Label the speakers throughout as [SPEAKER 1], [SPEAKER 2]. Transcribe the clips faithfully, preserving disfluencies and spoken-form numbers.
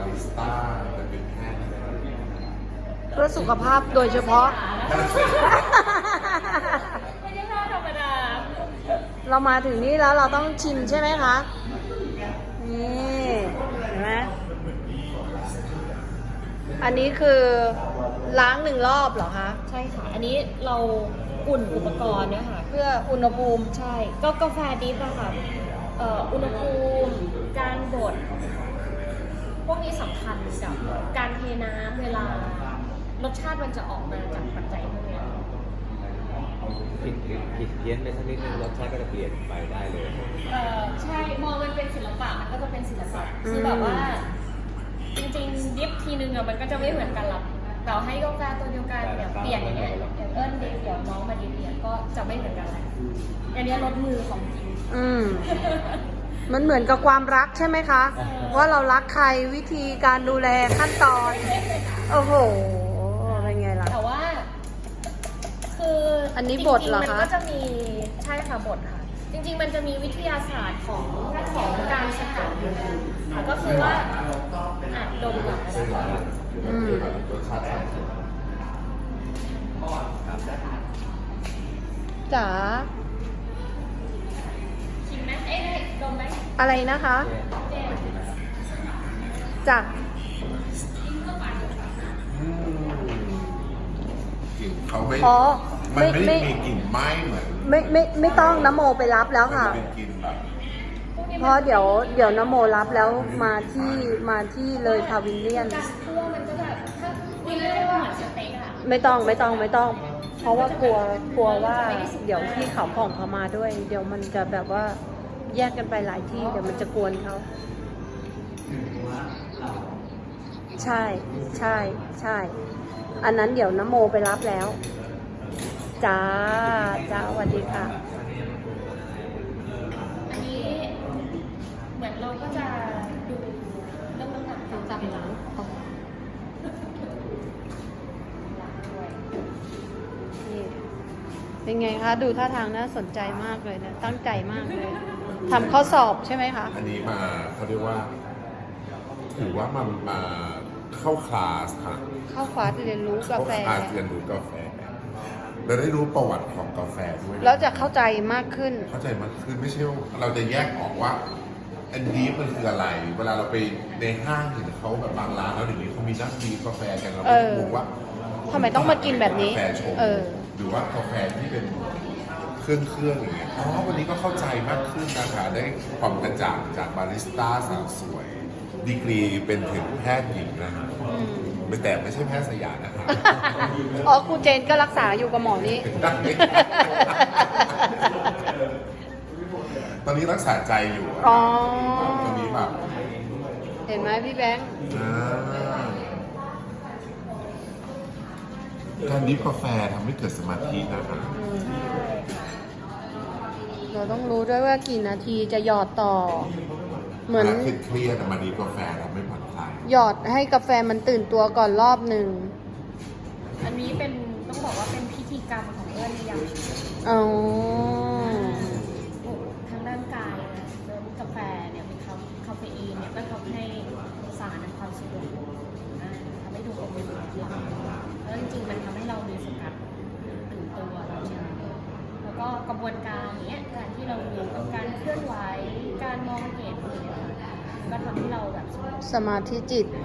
[SPEAKER 1] ริสต้าจะเป็นแพทย์อะไร
[SPEAKER 2] เพื่อสุขภาพโดยเฉพาะ
[SPEAKER 3] ไม่ใช่ข้าวธรรมดา
[SPEAKER 2] เรามาถึงนี่แล้วเราต้องชิมใช่ไหมคะ นี่เห็นไหมอันนี้คือล้างหนึ่งรอบเหรอคะ
[SPEAKER 3] ใช่ค่ะ อันนี้เราอุ่นอุปกรณ์เนี่ยค่ะ
[SPEAKER 2] เพื่ออุณหภูมิ
[SPEAKER 3] ใช่ ก็กาแฟดิฟอะค่ะเอ่ออุณหภูมิ การบด พวกนี้สำคัญกับการเทน้ำเวลารสชาติมันจะออกมาจากปัจจัยพวกนี้
[SPEAKER 4] ผิดผิดเพี้ยนไปสักนิดนึงรสชาติก็จะเปลี่ยนไปได้เลย
[SPEAKER 3] เอ่อใช่ มองมันเป็นศิลปะมันก็จะเป็นศิลปะคือแบบว่า จริงๆดิฟทีนึงอะมันก็จะไม่เหมือนกันหรอกแต่ให้กาแฟตัวเดียวกันเนี่ยเปลี่ยนอย่างเงี้ยอย่างเอิ้นดิฟเดี๋ยวน้องมาดิฟเนี่ยก็จะไม่เหมือนกันแหละอันนี้ลดมือของจริง
[SPEAKER 2] อืม มันเหมือนกับความรักใช่ไหมคะ ว่าเรารักใครวิธีการดูแลขั้นตอน โอ้โห เป็นไงล่ะ
[SPEAKER 3] แต่ว่า คือ
[SPEAKER 2] อั
[SPEAKER 3] อั
[SPEAKER 2] นนี้บทเหรอคะ
[SPEAKER 3] มันก็จะมีใช่ค่ะบทค่ะ จริงๆ มันจะมีวิทยาศาสตร์ของของการสกัดอยู่ค่ะก็คือว่าอ่ะดมก่อนนะคะ
[SPEAKER 2] อืม
[SPEAKER 1] รสชาติต่างกัน
[SPEAKER 2] จ๋า
[SPEAKER 3] ชิมไหมเอ๊ะดมไหม
[SPEAKER 2] อะไรนะคะ
[SPEAKER 3] เจ๊
[SPEAKER 2] จ้ะ
[SPEAKER 1] กลิ่นเขาไม่
[SPEAKER 2] อ๋อ
[SPEAKER 1] มัน
[SPEAKER 2] ไม่
[SPEAKER 1] ไม่
[SPEAKER 2] ไม่
[SPEAKER 1] ได้มีกลิ่นไหม้เหมือน
[SPEAKER 2] ไม่ไม่ไม่ต้องน้ำโมไปรับแล้ว
[SPEAKER 1] มัน
[SPEAKER 2] ค่ะ
[SPEAKER 1] จะเป็นกลิ่นแบบ
[SPEAKER 3] พวกนี้
[SPEAKER 2] เพ
[SPEAKER 3] มัน
[SPEAKER 2] ราะเดี๋ยวเดี๋ยวน้ำโมรับแล้วมาที่มาที่เลยพาวิลเลียน
[SPEAKER 3] การคั่วมันก็จะถ้ากินเรียกว่าเหมือนสเต็กอะ
[SPEAKER 2] ไม่ต้องไม่ต้องไม่ต้อง เพราะว่ากลัวกลัวว่าเดี๋ยวพี่เขาผ่องเขามาด้วย เดี๋ยวมันจะแบบว่าแยกกันไปหลายที่เดี๋ยวมันจะกวนเขาใช่ใช่ใช่ อันนั้นเดี๋ยวน้ำโมไปรับแล้วจ้าจ้าสวัสดีค่ะ
[SPEAKER 3] อันนี้เหมือนเราก็จะดูเรื่องน้ำหนักตามจับหลัง
[SPEAKER 2] นี่เป็นไงคะ ดูท่าทางน่าสนใจมากเลยนะ ตั้งใจมากเลยทำข้อสอบใช่ไหมคะ
[SPEAKER 1] อันนี้มาเขาเรียกว่า ถือว่ามันมาเข้าคลาสค่ะ
[SPEAKER 2] เข้าคลาสเรียนรู้กาแฟ
[SPEAKER 1] เข้าคลาสเรียนรู้กาแฟเราได้รู้ประวัติของกาแฟด้วย
[SPEAKER 2] แล้วจะเข้าใจมากขึ้น
[SPEAKER 1] เข้าใจมากขึ้นไม่ใช่ว่าเราจะแยกออกว่าอันนี้มันคืออะไร เวลาเราไปในห้างเห็นเขาแบบบางร้านแล้วอย่างนี้เขามีนักดีกาแฟกันเรา
[SPEAKER 2] เอ
[SPEAKER 1] ก็
[SPEAKER 2] อ
[SPEAKER 1] งงว่า
[SPEAKER 2] ทำไมต้องมากินแบบนี้
[SPEAKER 1] กาแฟชง
[SPEAKER 2] เออ
[SPEAKER 1] หรือว่ากาแฟที่เป็นเครื่องเครื่องอย่างเงี้ยอ๋อวันนี้ก็เข้าใจมากขึ้นนะคะได้ความกระจ่างจากบาริสต้าสาวสวย ดีกรีเป็นถึงแพทย์หญิงนะไม่แต่ไม่ใช่แพทย์สยามนะคะ
[SPEAKER 2] อ๋อครูเจนก็รักษาอยู่กับหมอนี้
[SPEAKER 1] ตอนนี้รักษาใจอยู่อะ
[SPEAKER 2] อ๋อ
[SPEAKER 1] ตอนนี้แบบ
[SPEAKER 2] เห็นไหมพี่แบงค์
[SPEAKER 1] อ่าการดริฟกาแฟทำให้เกิดสมาธินะคะ
[SPEAKER 2] เราต้องรู้ด้วยว่ากี่นาทีจะหยอดต่อ เหมือน
[SPEAKER 1] วลาเครียดๆอะมาดริฟกาแฟทำให้ผ่อนคลาย
[SPEAKER 2] หยอดให้กาแฟมันตื่นตัวก่อนรอบหนึ่ง
[SPEAKER 3] อันนี้เป็นต้องบอกว่าเป็นพิธีกรรมของเอื้อนในยามเช้า
[SPEAKER 2] อ๋อ
[SPEAKER 3] ทางด้านกายนะเริ่มกาแฟเนี่ยมีคาคาเฟอีนเนี่ยก็ทำให้สารในความสะดวกอ่าทำให้ดูอบอุ่นหลับแล้วจริงๆมันทำให้เรามีสกัดตื่นตัวเราใช่ไหมแล้วก็กระบวนการเนี้ยการที่เราอยู่กับการเคลื่อนไหวการมองเห็นเนี่ยก็ทำให้เราแบบสงบ
[SPEAKER 2] สมาธิจิต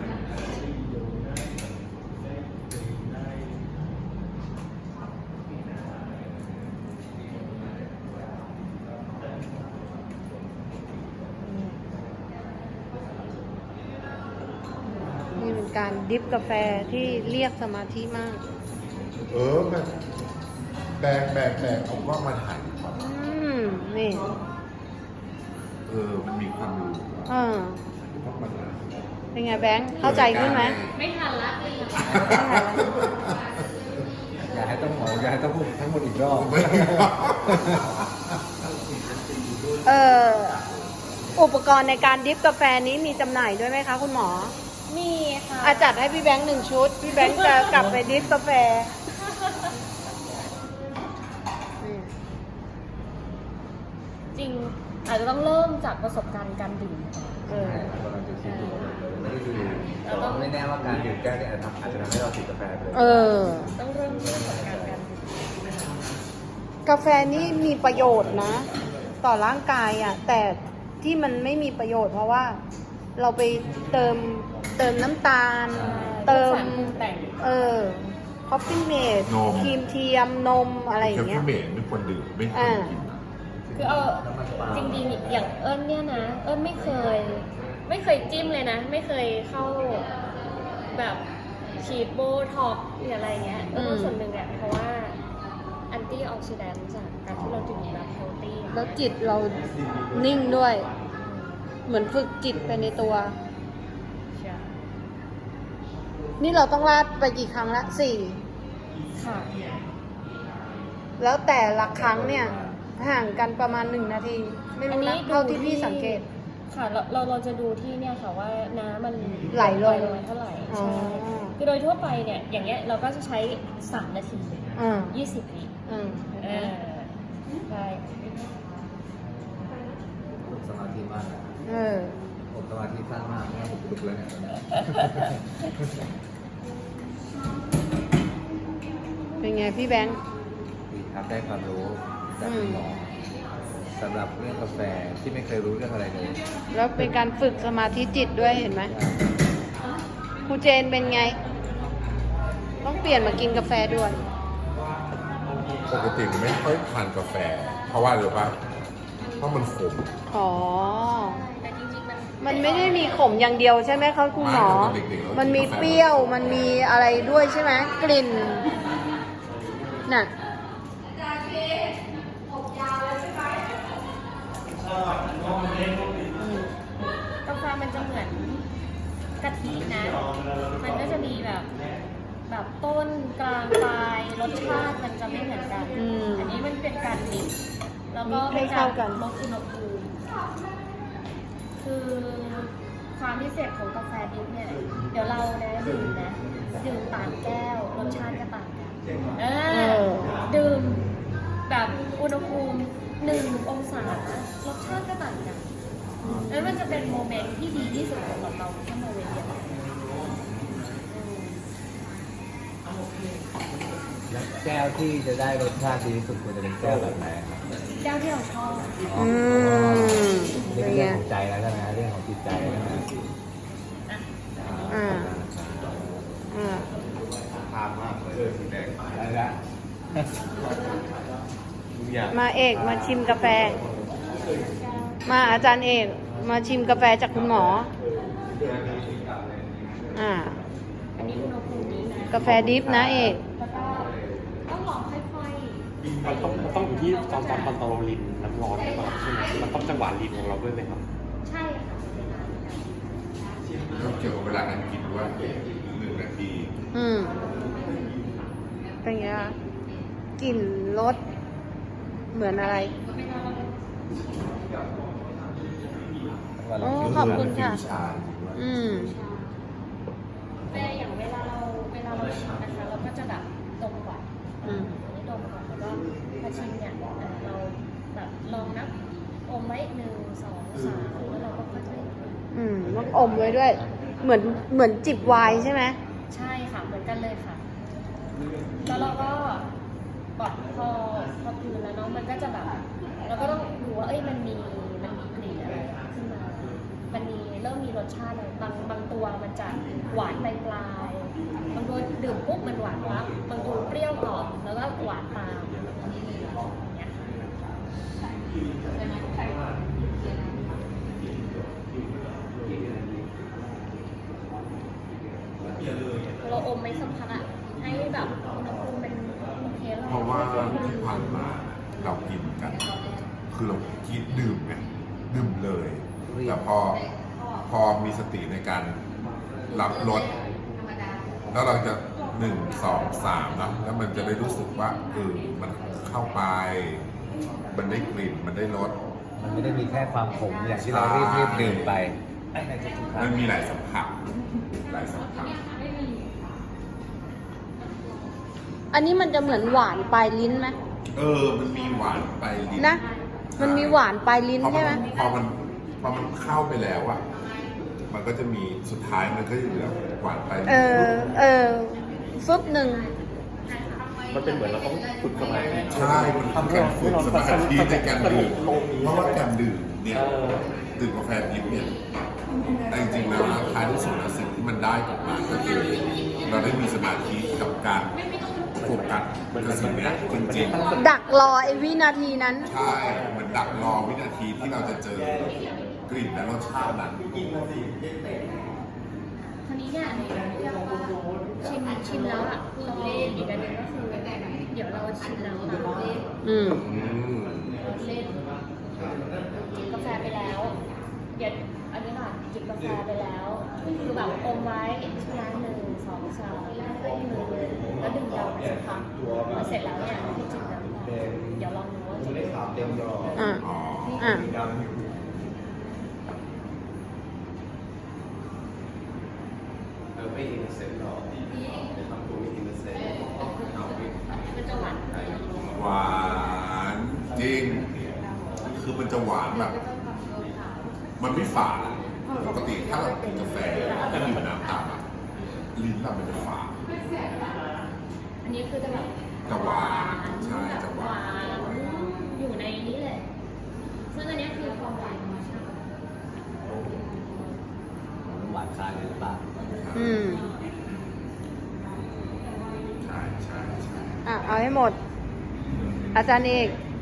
[SPEAKER 2] นี่เป็นการดริฟกาแฟที่เรียกสมาธิมาก
[SPEAKER 1] เออแบบแบกแบกแบกเอากล้องมาถ่ายก่อน
[SPEAKER 2] อืม นี่
[SPEAKER 1] เออ มันมีความรู้
[SPEAKER 2] เออ
[SPEAKER 1] ต้องมาถ่าย
[SPEAKER 2] เป็นไงแบงค์เข้าใจขึ้นไหม
[SPEAKER 3] ไม่ทันละเลย
[SPEAKER 4] อย่าให้ต้องหมออย่าให้ต้องพูดทั้งหมดอีกรอบ
[SPEAKER 1] ไม่
[SPEAKER 2] เอออุปกรณ์ในการดริฟกาแฟนี้มีจำหน่ายด้วยไหมคะคุณหมอ
[SPEAKER 3] มีค่ะ
[SPEAKER 2] อาจัดให้พี่แบงค์หนึ่งชุด พี่แบงค์จะกลับไปดริฟกาแฟนี่
[SPEAKER 3] จริงอาจจะต้องเริ่มจากประสบการณ์การดื่มก่อน
[SPEAKER 2] เออ
[SPEAKER 4] เราจะคิดดูไม่ได้ดูไม่แน่ว่าการดื่มแก้วเนี่ยอาจจะทำอาจจะทำให้เราติดกาแฟไปเลย
[SPEAKER 2] เออ
[SPEAKER 3] ต้องเริ่มต้นจากการกัน
[SPEAKER 2] กาแฟนี่มีประโยชน์นะ ต่อร่างกายอ่ะ แต่ที่มันไม่มีประโยชน์เพราะว่า เราไปเติมเติมน้ำตาล เติม
[SPEAKER 3] สารปรุงแต่ง
[SPEAKER 2] เออคอฟฟี่เมด
[SPEAKER 1] นม
[SPEAKER 2] ครีมเทียมนมอะไรอ
[SPEAKER 1] แค
[SPEAKER 2] ย่าง
[SPEAKER 1] ฟ
[SPEAKER 2] เงี้ย
[SPEAKER 1] เมดไม่ควรดื่มไม่ควรกินนะ
[SPEAKER 3] คือเอาจริงๆอย่างเอิญเนี่ยนะ เอิญไม่เคย ไม่เคยจิ้มเลยนะ ไม่เคยเข้าแบบฉีดโบท็อกซ์หรืออะไรเงี้ยเออส่วนหนึ่งเนี่ยเพราะว่าแอนตี้ออกซิแดนต์จากการที่เราดื่มแบบเฮลตี้
[SPEAKER 2] แล้วจิตเรานิ่งด้วย เหมือนฝึกจิตไปในตัว นี่เราต้องลาดไปกี่ครั้งละสี่
[SPEAKER 3] ค่ะ
[SPEAKER 2] แล้วแต่ละครั้งเนี่ย ห่างกันประมาณหนึ่งนาที ไม่รู้นะเท่าที่พี่สังเกต
[SPEAKER 3] ค่ะเราเราเราจะดูที่เนี่ยค่ะว่าน้ำมัน
[SPEAKER 2] ไหลลง
[SPEAKER 3] มาเท่าไหร่
[SPEAKER 2] อ๋อ
[SPEAKER 3] ใช่คือโดยทั่วไปเนี่ยอย่างเงี้ยเราก็จะใช้สามนาที
[SPEAKER 2] อืม
[SPEAKER 3] ยี่สิบวิ
[SPEAKER 2] อืม
[SPEAKER 3] เออใช่
[SPEAKER 4] ฝึกสมาธิมากนะ
[SPEAKER 2] เออ
[SPEAKER 4] ผมสมาธิสั้นมากนะผมลุกแล้วเนี่ยตอนนี้
[SPEAKER 2] เป็นไงพี่แบงค์
[SPEAKER 4] ดีครับได้ความรู้จากคุณหมอสำหรับเรื่องกาแฟที่ไม่เคยรู้เรื่องอะไรเลย
[SPEAKER 2] แล้วเป็นการฝึกสมาธิจิตด้วยเห็นไหมครูเจนเป็นไง ต้องเปลี่ยนมากินกาแฟด้วย
[SPEAKER 1] ปกติไม่ค่อยทานกาแฟ เพราะว่าหรือว่าเพราะมันขม
[SPEAKER 2] อ๋อ
[SPEAKER 3] แต่จริงๆมัน
[SPEAKER 2] มันไม่ได้มีขมอย่างเดียวใช่ไหมคะคุณหมอ
[SPEAKER 1] ไม่แต่ตอนเด็กๆเรากิน
[SPEAKER 2] มันมี
[SPEAKER 1] กาแฟ
[SPEAKER 2] เปรี้ยว มันมีอะไรด้วยใช่ไหมกลิ่น น่ะ
[SPEAKER 3] กาแฟมันจะเหมือนกะทินะ มันก็จะมีแบบแบบต้นกลางปลายรสชาติมันจะไม่เหมือนกัน
[SPEAKER 2] อืม
[SPEAKER 3] อันนี้มันเป็นการมิกซ์แล้วก็
[SPEAKER 2] ให้เข้ากัน
[SPEAKER 3] ลดอุณหภูมิคือความพิเศษของกาแฟดิบเนี่ย เดี๋ยวเรานะดื่มนะดื่มต่างแก้วรสชาติก็ต่างกันเออดื่มแบบอุณหภูมิหนึ่งองศารสชาติก็ต่างกันแล้วมันจะเป็นโมเมนต์ที่ดีที่สุดสำหรับเราถ้ามาเวียนเดียวกันอืม
[SPEAKER 4] แก้วที่จะได้รสชาติดีที่สุดควรจะเป็นแก้วแบบไหนครับ
[SPEAKER 3] แก้วที่เราชอบ
[SPEAKER 2] อืม
[SPEAKER 4] นี่
[SPEAKER 2] เป็
[SPEAKER 4] เป็น น
[SPEAKER 2] ไง
[SPEAKER 4] เรื่องของใจแล้วใช่ไหมเรื่องของจิตใจแล้วนะ
[SPEAKER 2] อ่า อ่า
[SPEAKER 4] ทานมากเลยสีแดงอะไรนะอยาก
[SPEAKER 2] มาเอกมาชิมกาแฟ มาอาจารย์เอกมาชิมกาแฟจากคุณหมอ อ่า
[SPEAKER 3] อันนี้อุณหภูมินี้นะ
[SPEAKER 2] กาแฟดิฟนะเอก
[SPEAKER 3] แล้วก็ต้องลองค่อย
[SPEAKER 5] มันต้องมันต้องอยู่ที่ตอนตอนตอนเราลินน้ำร้อนหรือเปล่าใช่ไหมมันต้องจังหวะลินของเราด้วยไหมครับ
[SPEAKER 3] ๆ ใช่ค่ะ
[SPEAKER 1] เกี่ยวกับเวลาการกินว่าหนึ่งนาที
[SPEAKER 2] อืม เป็นไงคะกลิ่นรสเหมือนอะไร โอ้ขอบคุณค่ะ
[SPEAKER 1] ฟิวชั่น
[SPEAKER 2] อืม
[SPEAKER 3] เวลาอย่างเวลาเราเวลาเราชิมนะคะ เราก็จะแบบดมก่อน
[SPEAKER 2] อืม
[SPEAKER 3] อันนี้ดมก่อนแล้วก็พอชิมเนี่ยเอ่อเราแบบลองนับอมไว้หนึ่งสองสามแล้วเราก็ค่อยๆ
[SPEAKER 2] อืมต้องอมไว้ด้วย เหมือนเหมือนจิบไวน์ใช่ไหม
[SPEAKER 3] ใช่ค่ะเหมือนกันเลยค่ะ แล้วเราก็แบบพอพอกลืนแล้วเนาะมันก็จะแบบเราก็ต้องดูว่าเอ้ยมันมีมันมีกลิ่นอะไรขึ้นมา มันมีเริ่มมีรสชาติอะไรบางบางตัวมันจะหวานปลายปลายๆบางตัวดื่มปุ๊บมันหวานปั๊บบางตัวเปรี้ยวก่อนแล้วก็หวานตามอย่างเงี้ยเราอมไม่สักพักอะให้แบบอุณหภูมิเป็นโอเคแล้ว
[SPEAKER 1] เพราะว่าที่ผ่านมาเรากินกัน คือเรากินดื่มไงดื่มเลย แต่พอพอมีสติในการรับรสแล้วเราจะหนึ่งสองสามนะแล้วมันจะได้รู้สึกว่าเออมันเข้าไป มันได้กลิ่นมันได้รส
[SPEAKER 4] มันไม่ได้มีแค่ความขมอย่างที่เรารีบรีบดื่มไปในทุกๆครั้
[SPEAKER 1] มั
[SPEAKER 4] ง
[SPEAKER 1] นมีหลายสัมผัสหลายสัมผัส
[SPEAKER 2] อันนี้มันจะเหมือนหวานปลายลิ้นไหม
[SPEAKER 1] เออ มันมีหวานไปลิ้น
[SPEAKER 2] นะ มันมีหวานปลายลิ้น
[SPEAKER 1] พอ
[SPEAKER 2] ใช่ไหม
[SPEAKER 1] มันพอมันพอมันเข้าไปแล้วอะมันก็จะมีสุดท้ายมันก็จะเหลือหวานไป
[SPEAKER 2] เออ เออฟึบหนึ่ง
[SPEAKER 5] มันเป็นเหมือนเราต้องฝึกสมาธิ
[SPEAKER 1] ใช่มันทำการฝึกสมาธิในการดื่มเพราะว่าการดื่มเนี่ย
[SPEAKER 5] เออ
[SPEAKER 1] ดื่มกาแฟดิบเนี่ยแต่จริงๆแล้วนะท้ายที่สุดแล้วสิ่งที่มันได้กลับมาก็คือเราได้มีสมาธิกับการโฟกัสกับสิ่งเนี้ยจริงๆ
[SPEAKER 2] ดักรอไอ้วินาทีนั้น
[SPEAKER 1] ใช่ มันดักรอวินาทีที่เราจะเจอกลิ่นและรสชาตินั้น
[SPEAKER 3] คราวนี้เนี่ยชิมชิมแล้วอ่ะเราอีกอันหนึงก็คือเดี๋ยวเราชิมแล้วนะ
[SPEAKER 2] อืม
[SPEAKER 1] อืม
[SPEAKER 3] จิบกาแฟไปแล้วเดี๋ยวอันนี้ค่ะจิบกาแฟไปแล้วคือแบบอมไว้ชนะหนึ่งสองสามแล้วก็มือแล้วดึงยาวไปสักพักพอเสร็จแล้วเนี่ยให้จิบน้ำต่อเดี๋ยวลองดูว่าจะเป็นยังไง
[SPEAKER 2] อ่ะ
[SPEAKER 1] อ๋อ
[SPEAKER 2] อ่ะ
[SPEAKER 4] ไม่อินเซนต์หรอกทำตัวไม่อินเซนต์
[SPEAKER 3] มันจะหวาน
[SPEAKER 1] หวานจริง คือมันจะหวานแบบ มันไม่ฝาดอะปกติถ้าเรากินกาแฟถ้าดื่มน้ำตามอะลิ้นเรามันจะฝาด
[SPEAKER 3] อันนี้คือจะแบบ
[SPEAKER 1] จะหวานใช่จะหวาน
[SPEAKER 3] อยู่ในนี้เลยซึ่งอันนี้คือความหวานธรรมชาติ
[SPEAKER 4] หวานคายหรือเปล่า
[SPEAKER 2] อืม
[SPEAKER 1] ใช่ใช่ใช่
[SPEAKER 2] อ่ะ เอาให้หมด อาจารย์เอก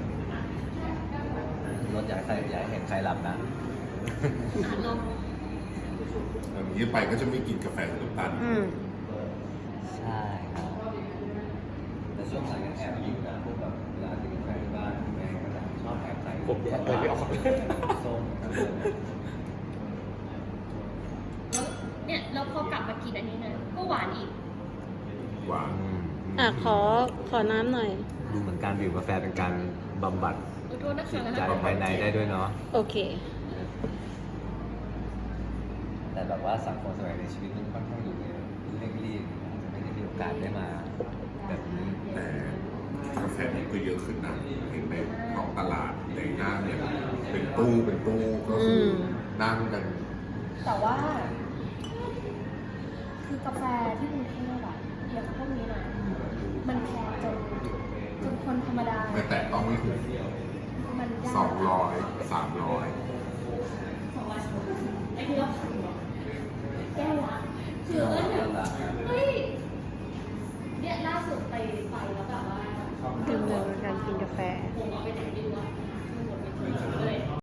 [SPEAKER 4] รถอยากให้ใครอยากให้เห็นใครหลับนะ
[SPEAKER 3] อ่ะลอง
[SPEAKER 1] อย่างนี้ไปก็จะไม่กินกาแฟหรือน้ำตาล
[SPEAKER 2] อืม
[SPEAKER 4] ใช่ครับแต่ช่วงหลังยังแอบยิ้มนะพวกแบบเวลาที่กินกาแฟที่บ้านแม่ก็จะชอบแอบใส่
[SPEAKER 5] ผมแยกเลยไม่ออก
[SPEAKER 4] ส้ม
[SPEAKER 3] แล้วเนี่ยแล้วพอกลับมากินอันนี้นะก็หวานอีก
[SPEAKER 1] หวาน
[SPEAKER 2] อ่ะ ขอ ขอน้ำหน่อย
[SPEAKER 4] ดูเหมือนการดื่มกาแฟเป็นการบำบัด
[SPEAKER 3] ขอโทษนะ
[SPEAKER 4] จิ
[SPEAKER 3] คะ
[SPEAKER 4] ตใจภายในได้ด้วยเนาะ
[SPEAKER 2] โอเค
[SPEAKER 4] แต่แบบว่าสังคมสมัยในชีวิตมันค่อนข้างอยู่ในเร่งรีบอาจจะไม่ได้มีโอกาสได้มาแบบนี้
[SPEAKER 1] แต่กาแฟนี่ก็เยอะขึ้นนะเห็นในท้องตลาดในหน้าเนี่ยเป็นตู้เป็นตู้ก็คืออ
[SPEAKER 2] ม
[SPEAKER 1] นั่งกัน
[SPEAKER 3] แต่ว่า คือกาแฟที่กรุงเทพอะอย่างพวกนี้นะมันแพงจนจนคนธรรมดา
[SPEAKER 1] ไม่แตะต้องไม่ถึง
[SPEAKER 3] มันยาก
[SPEAKER 1] สองร้อยสามร้อย
[SPEAKER 3] ไอ้ที่เราทำเนี่ยแก้วละคือเออแบบเฮ้ยเนี่ยล่าสุดไปไปแล้วแบบว่า
[SPEAKER 2] ดื่มเลยการกินกาแฟ
[SPEAKER 3] ผมเอาไปไหนดีวะ